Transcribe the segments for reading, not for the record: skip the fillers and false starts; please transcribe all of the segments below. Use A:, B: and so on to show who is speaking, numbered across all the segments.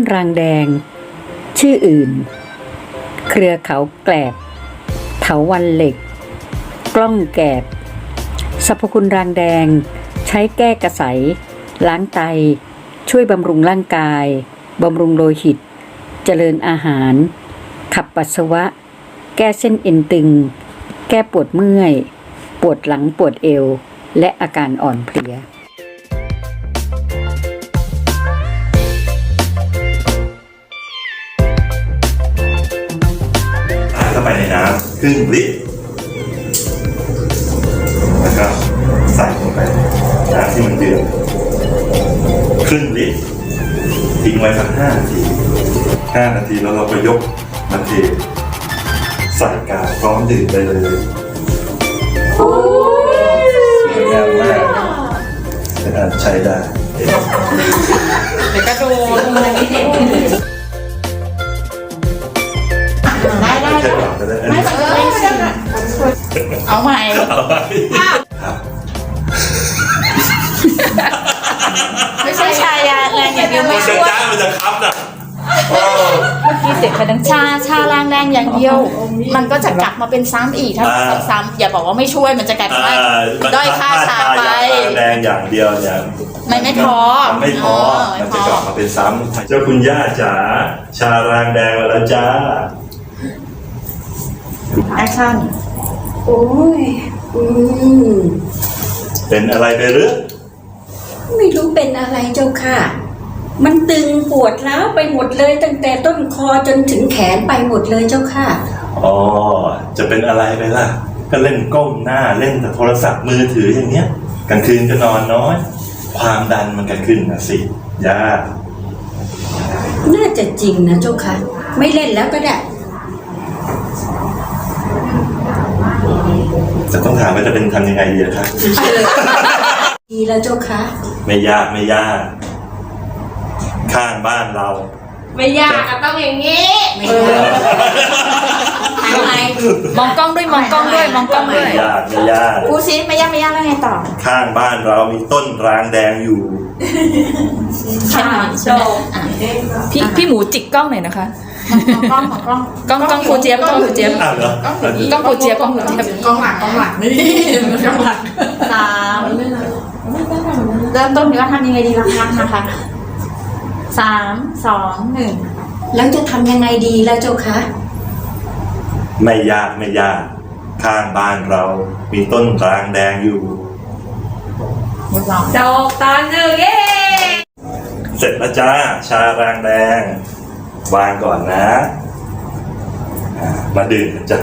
A: รางแดงชื่ออื่นเครือเขาแกลบเถาวัลย์เหล็กกล้องแกบสรรพคุณรางแดงใช้แก้กระสายล้างไตช่วยบำรุงร่างกายบำรุงโลหิตเจริญอาหารขับปัสสาวะแก้เส้นเอ็นตึงแก้ปวดเมื่อยปวดหลังปวดเอวและอาการอ่อนเพลีย
B: เข้าไปในน้ำครึ่งลิตรแล้วก็ใส่ลงไปน้ำที่มันเดือดครึ่งลิตรทิ้งไว้สัก5 นาทีแล้วเราก็ยกมาเทใส่กาพร้อมดื่มได้เลยสวยงามมากใช้ได้
C: เดี๋ยวกระโดดเอาใหม่
B: ครับ
C: ไม่ใช่ชายาแรงอย่างเดียวไม่ช่วย
B: จ้ามันจะคับนะ
C: เมื่อกี้เสียงคะดังชาแรงแรงอย่างเดียวมันก็จะกลับมาเป็นซ้ำอีกถ้าซ้ำอย่าบอกว่าไม่ช่วยมันจะกลายเป็นว่าด้อยค่าชาไป
B: แรงอย่างเดียวเนี่ย
C: ไม่พอ
B: ไม่พอมันจะกลับมาเป็นซ้ำเจ้าคุณย่าจ๋าชาแรงแดงมาแล้วจ้า
C: แอคชั่น
A: โอ้ย
B: เป็นอะไรไปหรือ
A: ไม่รู้เป็นอะไรเจ้าค่ะมันตึงปวดร้าวไปหมดเลยตั้งแต่ต้นคอจนถึงแขนไปหมดเลยเจ้าค่ะ
B: อ๋อจะเป็นอะไรไปล่ะก็เล่นก้มหน้าเล่นแต่โทรศัพท์มือถืออย่างเงี้ยกลางคืนก็นอนน้อยความดันมันก็ขึ้นนะสิย่า
A: น่าจะจริงนะเจ้าค่ะไม่เล่นแล้วก็ได้
B: จะต้องถามว่าจะเป็นทำยังไงดีครับ
A: ดีแล้วเจ้าค่ะ
B: ไม่ยากข้างบ้านเรา
C: ไม่ยากก็ต้องอย่างนี้ทำไมมองกล้องด้วยมองกล้องด้วย
B: ไม่ยาก
C: พูดซิไม่ยากแล้วไงต่อ
B: ข้างบ้านเรามีต้นรางแดงอยู่
C: ใช่พี่หมูจิกกล้องหน่อยนะคะกล้องครูเจี๊ยบกล้องครูเจี๊ยบกล้องครูเจี๊ยบกล้องหลักนี่กล้องหลัก3เริ่มต้นว่าทำยังไงดีล่ะนะคะ3 2 1
A: แล้วจะทำยังไงดีแล้วเจ้าคะ
B: ไม่ยากข้างบ้านเรามีต้นรางแดงอยู่
C: ดอกตาล1เย้
B: เสร็จแล้วจ้าชารางแดงวางก่อนนะมาดื่มกันจ้ะ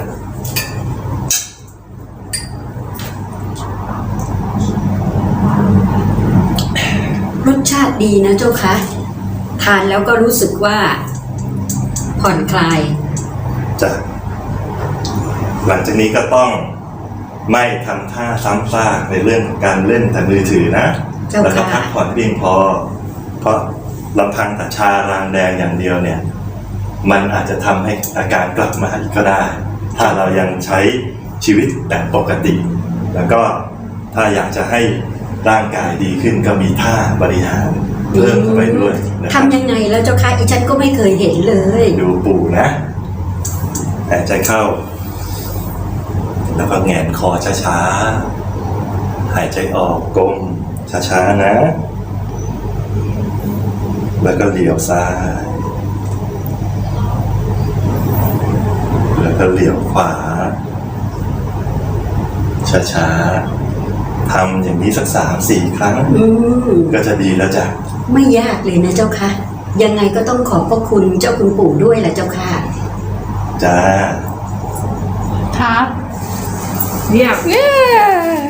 A: รสชาติดีนะเจ้าคะทานแล้วก็รู้สึกว่าผ่อนคลาย
B: จ้ะหลังจากนี้ก็ต้องไม่ทำท่าซ้ำซากในเรื่องการเล่นแต่มือถือนะแล้วก็พักผ่อนเพียงพอเพราะลำพังแต่ชารางแดงอย่างเดียวเนี่ยมันอาจจะทำให้อาการกลับมาอีกก็ได้ถ้าเรายังใช้ชีวิตแบบปกติแล้วก็ถ้าอยากจะให้ร่างกายดีขึ้นก็มีท่าบริหารเพิ่มเข้าไปด้วย
A: ทำยังไงแล้วเจ้าค่ะอีฉันก็ไม่เคยเห็นเลย
B: ดูปู่นะหายใจเข้าแล้วก็แหงนคอช้าๆหายใจออกก้มช้าๆนะแล้วก็เหลียวซ้ายแล้วก็เหลียวขวาช้าๆทำอย่างนี้สัก3-4 ครั้งก็จะดีแล้วจ้ะ
A: ไม่ยากเลยนะเจ้าค่ะยังไงก็ต้องขอบพระคุณเจ้าคุณปู่ด้วยแหละเจ้าค่ะ
B: จ้า
C: ครับเรียบ